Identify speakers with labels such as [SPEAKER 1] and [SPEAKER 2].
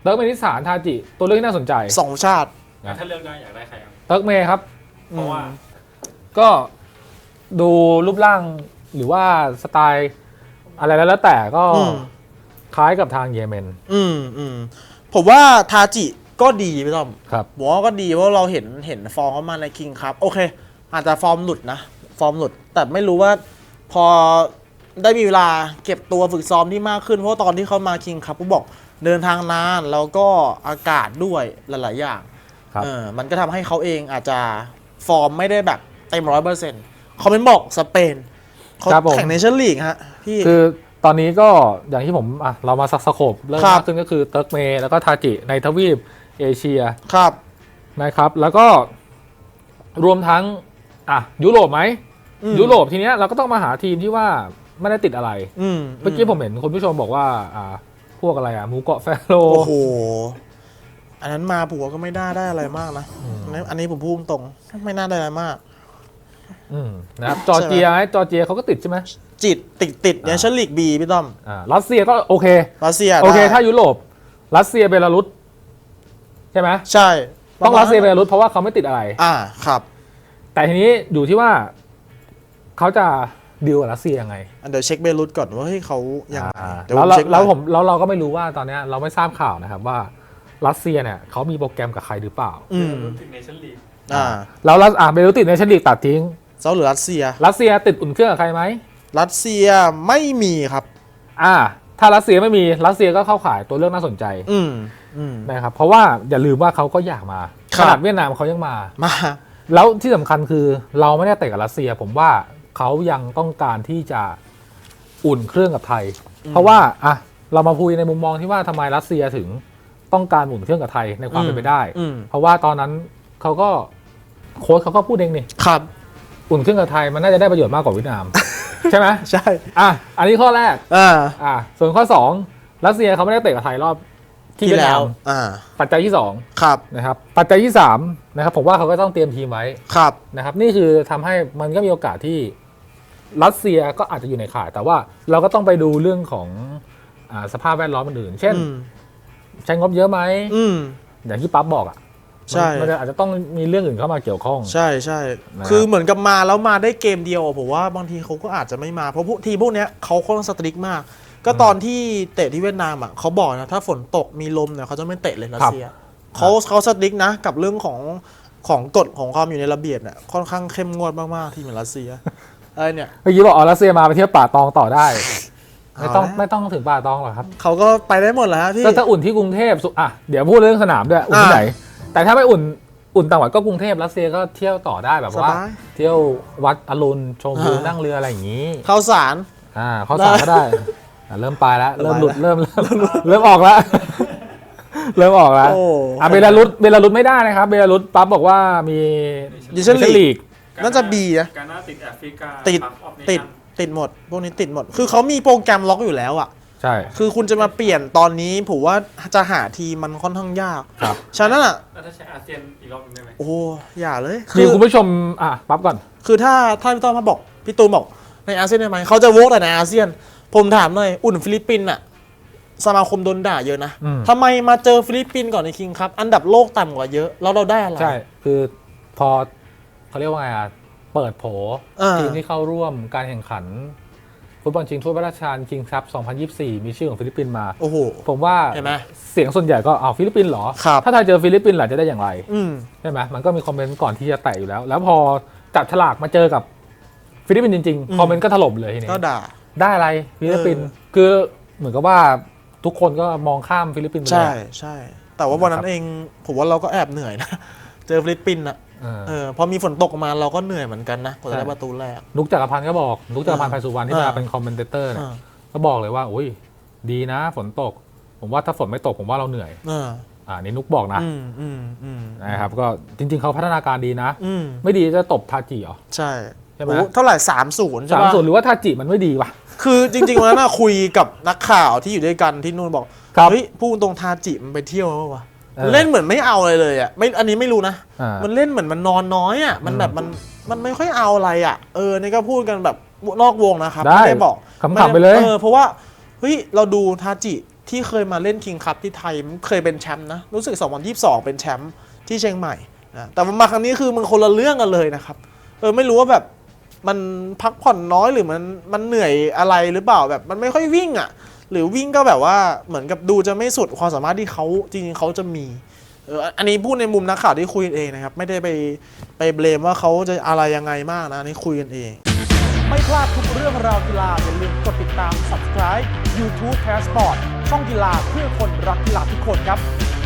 [SPEAKER 1] เติร์กเมนิสถานทาจิตัวเลือกที่น่าสนใจ
[SPEAKER 2] 2 ชาติ
[SPEAKER 3] ถ้าเลือกได้อยากได้ใครครับ
[SPEAKER 1] เติร์กเมครับ
[SPEAKER 3] เพราะว่า
[SPEAKER 1] ก็ดูรูปร่างหรือว่าสไตล์อะไรแล้วแต่ก็คล้ายกับทางเยเมน
[SPEAKER 2] ผมว่าทาจิก็ดีพี่ต้อม
[SPEAKER 1] ครับ
[SPEAKER 2] ผมว่าก็ดีเพราะเราเห็นฟอร์มเขามาในคิงครับโอเคอาจจะฟอร์มหลุดนะฟอร์มหลุดแต่ไม่รู้ว่าพอได้มีเวลาเก็บตัวฝึกซ้อมที่มากขึ้นเพราะตอนที่เขามาคิงครับเขาบอกเดินทางนานแล้วก็อากาศด้วยหลายๆอย่างมันก็ทำให้เขาเองอาจจะฟอร์มไม่ได้แบบเต็ม100%เขาเป็นบอกสเปนเขาแข่งเนชั่นลีกฮะพี่
[SPEAKER 1] คือตอนนี้ก็อย่างที่ผมเรามาสโคปเริ่มมากขึ้นก็คือเติร์กเมแล้วก็ทาจิในทวีปเอเชีย
[SPEAKER 2] ครับ
[SPEAKER 1] นะครับแล้วก็รวมทั้งยุโรปไหมยุโรปทีเนี้ยเราก็ต้องมาหาทีมที่ว่าไม่ได้ติดอะไรเมื่อกี้ผมเห็นคุณผู้ชมบอกว่าพวกอะไรหมูเกาะแฟโร
[SPEAKER 2] โอ้โหอันนั้นมาผัวก็ไม่ได้อะไรมากนะอันนี้ผมพูดตรงไม่น่าได้อะไรมาก
[SPEAKER 1] นะครับจอร์เจียเขาก็ติดใช่ไหม
[SPEAKER 2] ติดเนี่ยชั้นลีกบีพี่ต้อม
[SPEAKER 1] รัสเซียก็โอเค
[SPEAKER 2] รัสเซีย
[SPEAKER 1] โอเคถ้ายุโรปรัสเซียเบลารุสใช่ไหม
[SPEAKER 2] ใช่
[SPEAKER 1] ต้องรัสเซียเบลารุสเพราะว่าเขาไม่ติดอะไร
[SPEAKER 2] ครับ
[SPEAKER 1] แต่ทีนี้อยู่ที่ว่าเขาจะดีลกับรัสเซียยังไง
[SPEAKER 2] เดี๋ยวเช็คเบลารุสก่อนว่าเขายัง
[SPEAKER 1] แล้วเราก็ไม่รู้ว่าตอนนี้เราไม่ทราบข่าวนะครับว่ารัสเซียเนี่ยเขามีโปรแกรมกับใครหรือเปล่า
[SPEAKER 3] ติดเนชั่นลีก
[SPEAKER 1] แล้วเบลารุสติดเนชั่นลีกตัดทิ้ง
[SPEAKER 2] เซาหรือรัสเซีย
[SPEAKER 1] ติดอุ่นเครื่องกับใครไหม
[SPEAKER 2] รัสเซียไม่มีครับ
[SPEAKER 1] ถ้ารัสเซียไม่มีรัสเซียก็เข้าข่ายตัวเลือกน่าสนใจนะครับเพราะว่าอย่าลืมว่าเขาก็อยากมาขนาดเวียดนามเขายังมาแล้วที่สำคัญคือเราไม่ได้เตะกับรัสเซียผมว่าเขายังต้องการที่จะอุ่นเครื่องกับไทยเพราะว่าเรามาพูดในมุมมองที่ว่าทำไมรัสเซียถึงต้องการอุ่นเครื่องกับไทยในความเป็นไปได้เพราะว่าตอนนั้นเขาก็โค้ชเขาก็พูดเองนี่
[SPEAKER 2] ครับ
[SPEAKER 1] อุ่นเครื่องกับไทยมันน่าจะได้ประโยชน์มากกว่าเวียดนามใช่ไหม
[SPEAKER 2] ใช่
[SPEAKER 1] อันนี้ข้อแรกส่วนข้อ2รัสเซียเขาไม่ได้เตะกับไทยรอบที่แล้วปัจจัยที่2
[SPEAKER 2] ครับ
[SPEAKER 1] นะครับปัจจัยที่3นะครับผมว่าเขาก็ต้องเตรียมทีมไว้
[SPEAKER 2] ครับ
[SPEAKER 1] นะครับนี่คือทำให้มันก็มีโอกาสที่รัสเซียก็อาจจะอยู่ในข่ายแต่ว่าเราก็ต้องไปดูเรื่องของสภาพแวดล้อมอื่นเช่นใช้งบเยอะไหมอย่างที่ปั๊บบอก
[SPEAKER 2] ใช่
[SPEAKER 1] มันอาจจะต้องมีเรื่องอื่นเข้ามาเกี่ยวข้อง
[SPEAKER 2] ใช่คือเหมือนกับมาแล้วมาได้เกมเดียวผมว่าบางทีเขาก็อาจจะไม่มาเพราะทีพวกนี้เขาค่อนข้างสตริกมากก็ตอนที่เตะที่เวียดนามเขาบอกนะถ้าฝนตกมีลมเนี่ยเขาจะไม่เตะเลยรัสเซียเขาสตริกนะกับเรื่องของกฎของความอยู่ในระเบียบเนี่ยค่อนข้างเข้มงวดมากๆที่เหมือนรัสเซียเนี่ย
[SPEAKER 1] เมื่อกี้บอกรัสเซียมาไปเที่ยวป่าตองต่อได้ไม่ต้องถึงป่าตองหรอกครับ
[SPEAKER 2] เขาก็ไปได้หมดแล้วพี่
[SPEAKER 1] ก็จะอุ่นที่กรุงเทพเดี๋ยวพูดเรื่องสนามด้วยอุ่นที่ไหนแต่ถ้าไม่อุ่นต่างจังหวัดก็กรุงเทพรัสเซียก็เที่ยวต่อได้แบบว่าเที่ยววัดอรุณชมวิวนั่งเรืออะไรอย่างนี้
[SPEAKER 2] เข้าสาร
[SPEAKER 1] เข้าสารก็ได้เริ่มไปแล้วเริ่มหลุดเริ่มออกแล้วเริ่มออกแล้วเบลารุสไม่ได้นะครับเบลารุสปั๊บบอกว่ามี
[SPEAKER 2] เนชั่นลีกน่าจะบีนะ
[SPEAKER 3] การน่าติดแอฟริกา
[SPEAKER 2] ติดหมดพวกนี้ติดหมดคือเขามีโปรแกรมล็อกอยู่แล้ว
[SPEAKER 1] ใช่
[SPEAKER 2] คือคุณจะมาเปลี่ยนตอนนี้ผมว่าจะหาทีมันค่อนข้างยาก
[SPEAKER 1] ครับ
[SPEAKER 2] ฉะนั้น
[SPEAKER 3] ถ้าใช้อาเซียนอีกรอบนึงได้ไหม
[SPEAKER 2] โอ้อย่าเลย
[SPEAKER 1] คือคุณผู้ชมปั๊บก่อน
[SPEAKER 2] คือถ้าพี่ต้อมมาบอกพี่ตูนบอกในอาเซียนได้ไหมเขาจะโวกแต่ในอาเซียนผมถามหน่อยอุ่นฟิลิปปินส์สมาคมโดนด่าเยอะนะทำไมมาเจอฟิลิปปินส์ก่อนในคิงครับอันดับโลกต่ำกว่าเยอะแล้วเราได้อะไร
[SPEAKER 1] ใช่คือพอเขาเรียกว่าไงเปิดโผทีมที่เข้าร่วมการแข่งขันฟุตบอลชิงถ้วยพระราชทานคิงส์คัพ 2024 มีชื่อของฟิลิปปินส์มา
[SPEAKER 2] โอ้โห
[SPEAKER 1] ผมว่าเสียงส่วนใหญ่ก็ฟิลิปปินส์เหรอถ้าไทยเจอฟิลิปปินส์ล่ะจะได้อย่างไรใช่ไหมมันก็มีคอมเมนต์ก่อนที่จะแตะอยู่แล้วแล้วพอจับฉลากมาเจอกับฟิลิปปินส์จริงๆคอมเมนต์ก็ถล่มเลยทีนี้
[SPEAKER 2] ก็ด่า
[SPEAKER 1] ได้อะไรฟิลิปปินส์คือเหมือนกับว่าทุกคนก็มองข้ามฟิลิปปินส์ไปเลย
[SPEAKER 2] ใช่แต่ว่าวันนั้นเองผมว่าเราก็แอบเหนื่อยนะเจอฟิลิปปินส์พอมีฝนตกมาเราก็เหนื่อยเหมือนกันนะกว่าจะได้ประตูแรก
[SPEAKER 1] นุกจักรพันธ์ก็บอกนุกจักรพันธ์ไพสุวรรณที่มาเป็นคอมเมนเตอร์เนี่ยก็บอกเลยว่าอุ้ยดีนะฝนตกผมว่าถ้าฝนไม่ตกผมว่าเราเหนื่อยนี่นุกบอกนะนะครับก็จริงๆเขาพัฒนาการดีนะไม่ดีจะตบทาจิเหรอ
[SPEAKER 2] ใช่ใช่ไหมเท่าไหร่3-0ใช่ไหม
[SPEAKER 1] 3-0หรือว่าทาจิมันไม่ดีวะ
[SPEAKER 2] คือจริงๆวันนั้นคุยกับนักข่าวที่อยู่ด้วยกันที่นู่นบอกเฮ้ยพูดตรงทาจิมันไปเที่ยวมั้ยวะเล่นเหมือนไม่เอาอะไรเลยไม่อันนี้ไม่รู้นะมันเล่นเหมือนมันนอนน้อยมันแบบมันไม่ค่อยเอาอะไรนี่ก็พูดกันแบบนอกวงนะครับไม่ได้บอก
[SPEAKER 1] ขำๆไปเลย
[SPEAKER 2] เพราะว่าเฮ้ยเราดูทาจิที่เคยมาเล่นคิงคัพที่ไทยมันเคยเป็นแชมป์นะรู้สึก2022เป็นแชมป์ที่เชียงใหม่นะแต่มาครั้งนี้คือมันคนละเรื่องกันเลยนะครับไม่รู้ว่าแบบมันพักผ่อนน้อยหรือมันเหนื่อยอะไรหรือเปล่าแบบมันไม่ค่อยวิ่งอ่ะหรือวิ่งก็แบบว่าเหมือนกับดูจะไม่สุดความสามารถที่เขาจริงๆเขาจะมีอันนี้พูดในมุมนักข่าวที่คุยกันเองนะครับไม่ได้ไปเบลมว่าเขาจะอะไรยังไงมากนะอันนี้คุยกันเองไม่พลาดทุกเรื่องราวกีฬาอย่าลืมกดติดตาม Subscribe YouTube Passport ช่องกีฬาเพื่อคนรักกีฬาทุกคนครับ